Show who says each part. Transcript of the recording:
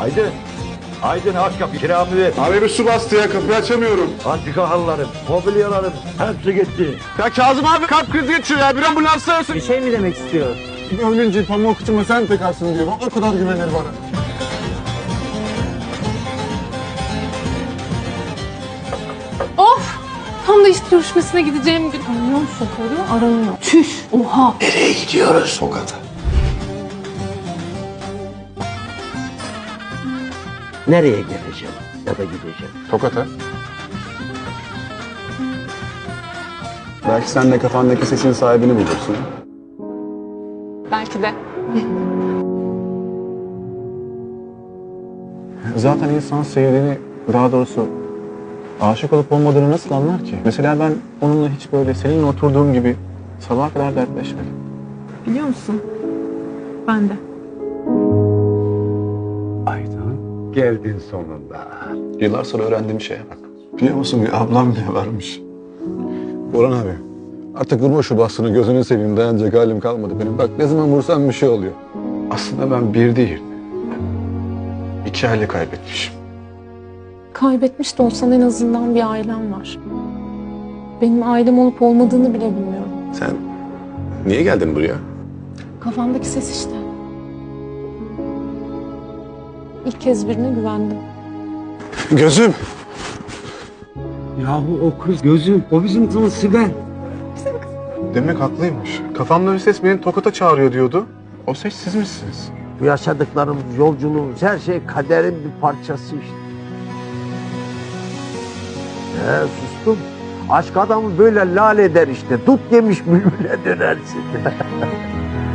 Speaker 1: Aydın. Aydın aç kapıyı, kiramı ver.
Speaker 2: Abi bir su bastı ya, kapıyı açamıyorum.
Speaker 1: Antika halılarım, mobilyalarım hepsi gitti.
Speaker 2: Ya Kazım abi kalp krizi geçiyor ya, bir ambulans arasın.
Speaker 3: Bir şey mi demek istiyor?
Speaker 2: Ölünce pamuk kıçıma sen takarsın diyor. O kadar güvenir bana.
Speaker 4: Of! Tam da iş görüşmesine gideceğim gün. Kamyon şoförü aranıyor. Çüş! Oha!
Speaker 1: Nereye gidiyoruz? Sokakta. Nereye geleceğim ya da gideceğim?
Speaker 2: Tokat'a. Belki sen de kafandaki sesin sahibini bulursun.
Speaker 4: Belki de.
Speaker 2: Zaten insan sevdiğini, daha doğrusu aşık olup olmadığını nasıl anlar ki? Mesela ben onunla hiç böyle seninle oturduğum gibi sabaha kadar dertleşmedim.
Speaker 4: Biliyor musun? Ben de.
Speaker 5: Aydın, geldin sonunda.
Speaker 2: Yıllar sonra öğrendiğim şeye bak. Biliyor musun, bir ablam bile varmış. Orhan abi, artık vurma şu bastını, gözünü seveyim, dayanacak halim kalmadı benim. Bak ne zaman vursam bir şey oluyor. Aslında ben bir değil, 2 aile kaybetmişim.
Speaker 4: Kaybetmiş de olsan en azından bir ailem var. Benim ailem olup olmadığını bile bilmiyorum.
Speaker 2: Sen niye geldin buraya?
Speaker 4: Kafamdaki ses işte. İlk kez birine güvendim.
Speaker 2: Gözüm!
Speaker 5: Yahu o kız gözüm, o bizim kızımız Sibel.
Speaker 2: Demek haklıymış. Kafamda bir ses beni Tokat'a çağırıyor diyordu. O ses siz misiniz?
Speaker 1: Bu yaşadıklarımız, yolculuğumuz, her şey kaderin bir parçası işte. Sustum. Aşk adamı böyle lal eder işte. Dut yemiş bülbüle dönersin.